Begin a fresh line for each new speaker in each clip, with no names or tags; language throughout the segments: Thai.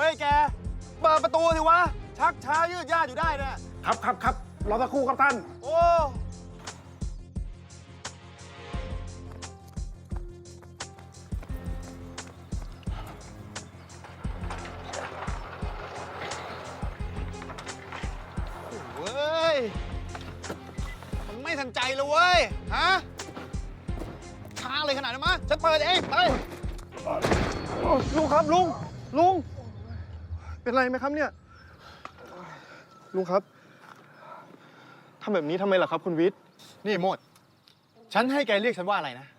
ฮ้ยแกเปิดประตูสิวะชักช้ายืดยาดอยู่ได้เนี่ย
ครับรอสักครู่ครับท่าน
โอ้เว้ยมันไม่ทันใจเลยเว้ยฮะช้าเลยขนาดนั้นมั้ยฉันเปิดเองไป
ลุงครับลุงเป็นไรไหมครับเนี่ยลุงครับทำแบบนี้ทำไมล่ะครับคุณวิทย์
นี่โมดฉันให้แกเรียกฉันว่าอะไรนะ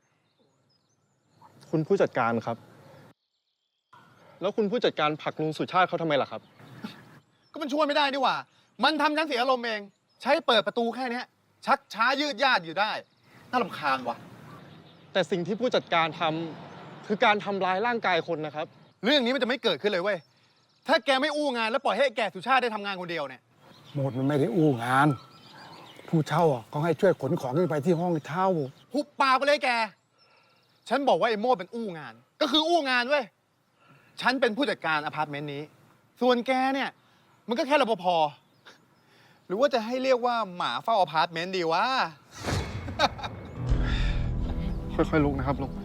คุณผู้จัดการครับแล้วคุณผู้จัดการผลักลุงสุชาติเขาทำไมล่ะครับ
ก็มันช่วยไม่ได้นี่หว่ามันทำฉันเสียอารมณ์เองใช้เปิดประตูแค่นี้ชักช้ายืดยาดอยู่ได้น่ารำคาญว่ะ
แต่สิ่งที่ผู้จัดการทำคือการทำร้ายร่างกายคนนะครับ
เรื่องนี้มันจะไม่เกิดขึ้นเลยเว้ยถ้าแกไม่อู้งานแล้วปล่อยให้แกสุชาติได้ทำงานคนเดียวเนี่ย
หมดมันไม่ได้อู้งานผู้เช่าก็ให้ช่วยขนของขึ้นไปที่ห้องเช่า
หุบปากไปเลยแกฉันบอกว่าไอ้โม่เป็นอู้งานก็คืออู้งานเว้ยฉันเป็นผู้จัดการอพาร์ตเมนต์นี้ส่วนแกเนี่ยมันก็แค่รปภหรือว่าจะให้เรียกว่าหมาเฝ้าอพาร์ตเมนต์ดีวะ
ค่อยๆลุกนะครับลุง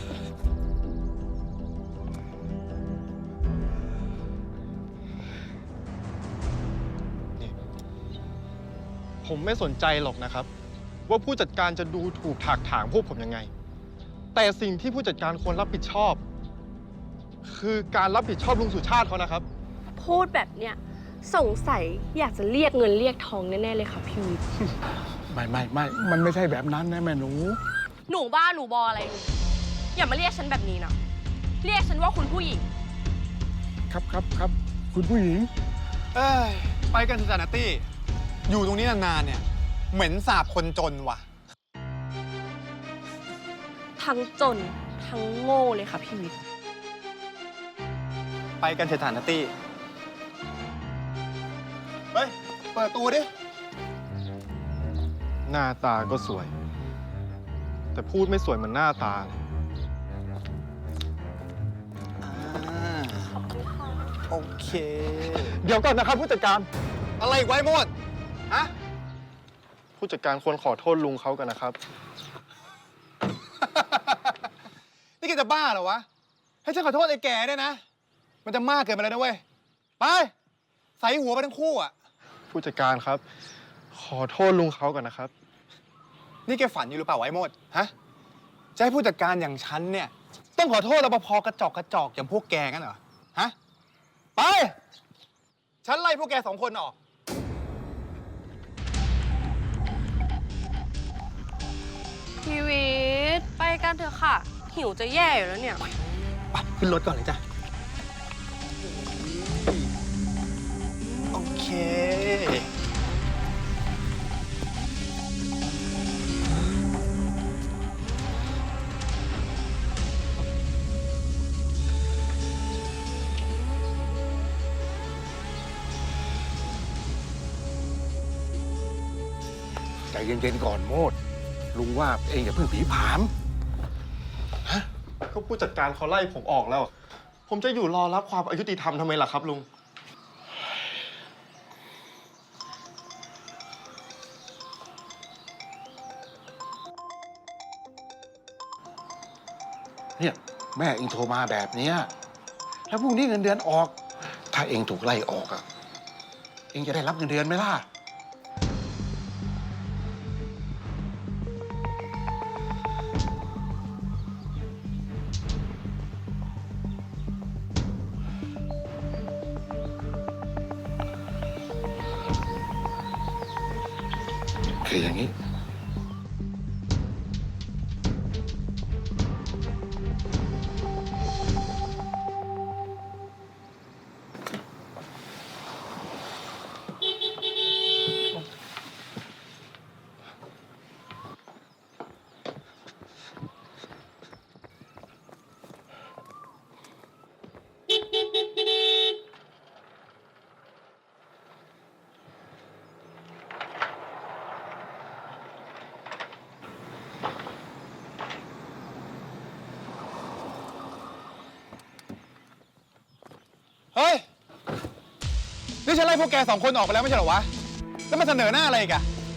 ผมไม่สนใจหรอกนะครับว่าผู้จัดการจะดูถูกถากถางพวกผมยังไงแต่สิ่งที่ผู้จัดการควรรับผิดชอบคือการรับผิดชอบลุงสุชาติเขานะครับ
พูดแบบเนี้ยสงสัยอยากจะเรียกเงินเรียกทองแน่ๆเลยค่ะพี่วิทย์
ไม่มันไม่ใช่แบบนั้นนะแม่หนู
หนูบ้าหนูบออะไรหนูอย่ามาเรียกฉันแบบนี้นะเรียกฉันว่าคุณผู้หญิง
ครับคุณผู้หญิง
ไปกันเถอะจ้ะนัตตี้อยู่ตรงนี้นานๆเนี่ยเหม็นสาบคนจนว่ะ
ทั้งจนทั้งโง่เลยค่ะพี่วิทย์
ไปกันเถอะจ้ะนัตตี้เฮ้ยเปิดตัวดิ
หน้าตาก็สวยแต่พูดไม่สวยเหมือนหน้าตา
โอเค
เดี๋ยวก่อนนะครับผู้จัดการ
อะไรไว้หมดฮะ
ผู้จัดการควรขอโทษลุงเขากันนะครับ
นี่แกจะบ้าเหรอวะให้ฉันขอโทษไอ้แก่เนี่ยนะมันจะมากเกินไปแล้วนะเว้ยไปใส่หัวไปทั้งคู่อ่ะ
ผู้จัดการครับขอโทษลุงเขากันนะครับ
นี่แกฝันอยู่หรือเปล่าไอ้โมดฮะจะให้ผู้จัดการอย่างฉันเนี่ยต้องขอโทษรปภกระจอกอย่างพวกแกงั้นเหรอฮะไปฉันไล่พวกแกสองคนออก
พี่วิทย์ไปกันเถอะค่ะหิวจะแย่อยู่แล้วเนี่ย
ไปขึ้นรถก่อนเลยจ้ะโอเค
ใจเย็นๆก่อนโมดลุงว่าเองอย่าเพิ่งผีผาม
ฮะก็ผู้จัดการเขาไล่ผมออกแล้ว ผมจะอยู่รอรับความอายุติธรรมทำไมล่ะครับลุง
เนี่ยแม่เองโทรมาแบบเนี้ยแล้วพรุ่งนี้เงินเดือนออกถ้าเองถูกไล่ออกอะเองจะได้รับเงินเดือนไหมล่ะคืออย่างนี้
เฮ้ย นี่ฉันไล่พวกแกสองคนออกไปแล้วไม่ใช่เหรอวะ แล้วมาเสนอหน้าอะไรอีกอะ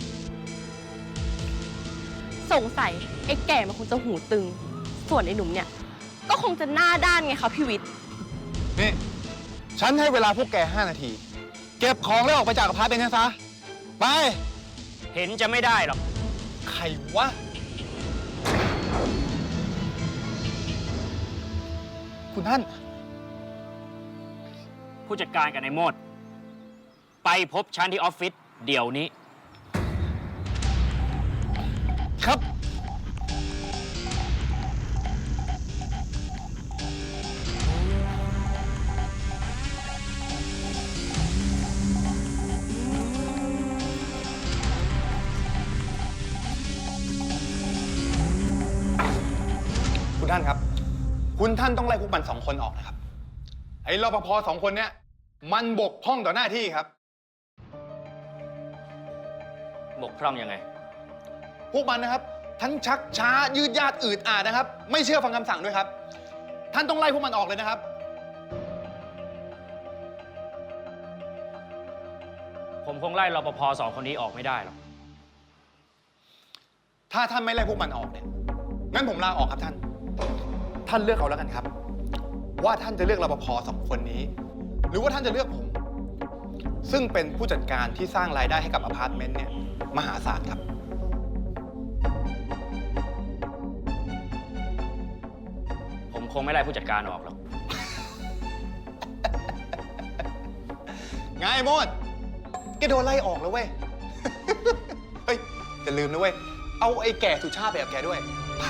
สงสัยไอ้แก่มันคงจะหูตึง ส่วนไอ้หนุ่มเนี่ย ก็คงจะหน้าด้านไงคะพี่วิทย์
นี่ ฉันให้เวลาพวกแก5 นาที เก็บของแล้วออกไปจากอพาร์ตเมนต์กันซะ ไป
เห็นจะไม่ได้หรอก
ใครวะ คุณท่าน
ผู้จัดการกับนายโมด ไปพบฉันที่ออฟฟิศเดี๋ยวนี้
ครับ คุณท่านครับ คุณท่านต้องไล่พวกมัน2 คนออกนะครับ ไอ้รปภ2 คนเนี้ยมันบกพร่องต่อหน้าที่ครับ
บกพร่องยังไง
พวกมันนะครับ ทั้งชักช้ายืดยาดอืดอาดนะครับ ไม่เชื่อฟังคำสั่งด้วยครับ ท่านต้องไล่พวกมันออกเลยนะครับ
ผมคงไล่รปภ2 คนนี้ออกไม่ได้หรอก
ถ้าท่านไม่ไล่พวกมันออกเนี่ยงั้นผมลาออกครับท่าน ท่านเลือกเอาแล้วกันครับ ว่าท่านจะเลือกรปภ2 คนนี้ หรือว่าท่านจะเลือกผม ซึ่งเป็นผู้จัดการที่สร้างรายได้ให้กับอพาร์ตเมนต์เนี่ยมหาศาลครับ
ผมคงไม่ไล่ผู้จัดการออกหรอก
ไงโมดแกโดนไล่ออกแล้วเว้ย เฮ้ยอย่าลืมนะเว้ย เอาไอ้แก่สุชาติไปกับแกด้วย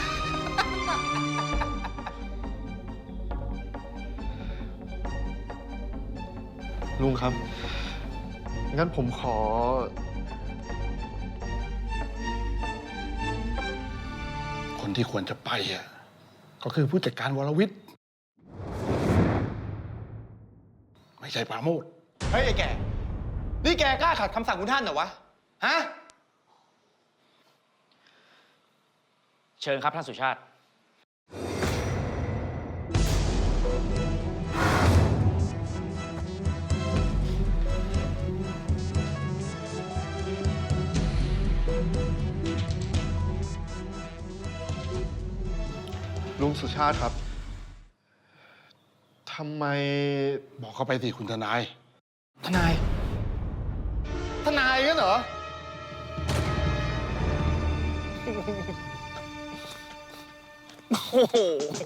ลุงครับ งั้นผมขอ
คนที่ควรจะไปอ่ะก็คือผู้จัดการวรวิทย์ ไม่ใช่ปราโมทย์
เฮ้ยไอ้แก่ นี่แกกล้าขัดคำสั่งคุณท่านเหรอวะ ฮะ
เชิญครับท่านสุชาติ
ลุงสุชาติครับ ทำไม
บอกเขาไปสิคุณทนาย
ทนาย ทนายกันเหรอ โอ้โห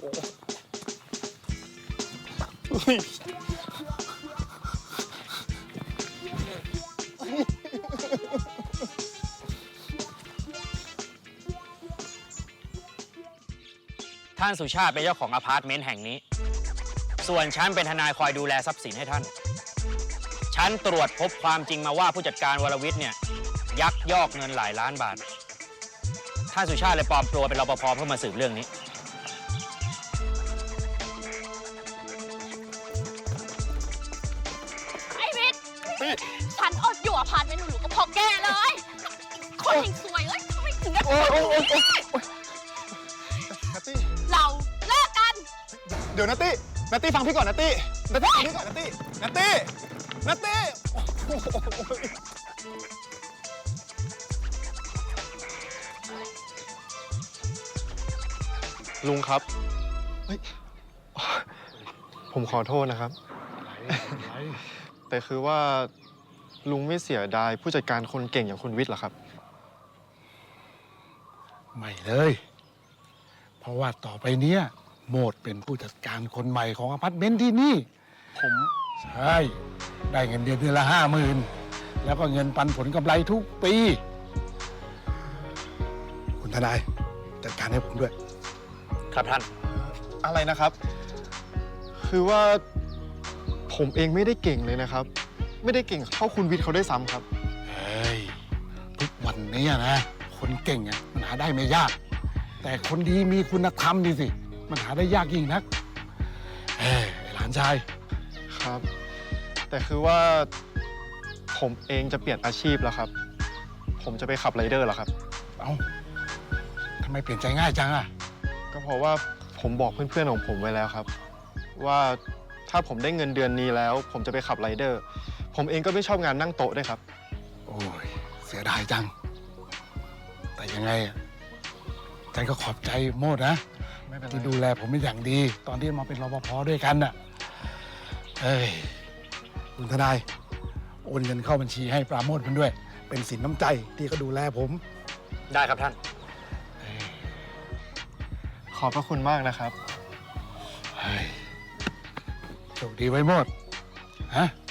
ท่านสุชาติเป็นเจ้าของอพาร์ตเมนต์แห่งนี้ ส่วนฉันเป็นทนายคอยดูแลทรัพย์สินให้ท่าน ฉันตรวจพบความจริงมาว่าผู้จัดการวรวิทย์เนี่ยยักยอกเงินหลายล้านบาท ท่านสุชาติเลยปลอมตัวเป็นรปภเพื่อมาสืบเรื่องนี้
ไอ้วิทย์ฉันอดอยู่อพาร์ตเมนต์หรูๆก็เพอแกเลย คนแห่งซวยเอ้ยทำไมถึงได้เป็นแบบนี้
นัตตี้
เราเลิกกัน
เดี๋ยวนัตตี้ นัตตี้ฟังพี่ก่อนนัตตี้ นัตตี้ฟังพี่ก่อนนัตตี้ นัตตี้ นัตตี้โอ้โห
ลุงครับ เฮ้ย ผมขอโทษนะครับ แต่คือว่าลุงไม่เสียดายผู้จัดการคนเก่งอย่างคุณวิทย์เหรอครับ
ไม่เลย เพราะว่าต่อไปเนี้ยโมดเป็นผู้จัดการคนใหม่ของอพาร์ตเมนต์ที่นี่
ผม
ใช่ ได้เงินเดือนละ50,000 แล้วก็เงินปันผลกำไรทุกปี คุณทนายจัดการให้ผมด้วย
ครับท่าน
อะไรนะครับ คือว่าผมเองไม่ได้เก่งเลยนะครับ ไม่ได้เก่งเท่าคุณวิทย์เขาได้วยซ้ำครับ
เฮ้ย ทุกวันนี้นะ คนเก่งอะมันหาได้ไม่ยาก แต่คนดีมีคุณธรรมนี่สิ มันหาได้ยากยิ่งนักเอ้ยไอ้หลานชาย
ครับ แต่คือว่าผมเองจะเปลี่ยนอาชีพแล้วครับ ผมจะไปขับไรเดอร์แล้วครับ
เอ้าทำไมเปลี่ยนใจง่ายจังอะ
ก็เพราะว่าผมบอกเพื่อนๆของผมไว้แล้วครับ ว่าถ้าผมได้เงินเดือนนี้แล้ว ผมจะไปขับไรเดอร์ ผมเองก็ไม่ชอบงานนั่งโต๊ะด้วยครับ
โอ้ยเสียดายจัง แต่ยังไงอะฉันก็ขอบใจโมดนะ
ไม่เป็นไร
ที่ดูแลผมเป็นอย่างดี ตอนที่มาเป็นรปภด้วยกันน่ะเอ้ยคุณทนายโอนเงินเข้าบัญชีให้ปราโมทมันด้วย เป็นสินน้ำใจที่เขาดูแลผม
ได้ครับท่าน
ขอบพระคุณมากนะครับ
เฮ้ยโชคดีไว้โมดฮะ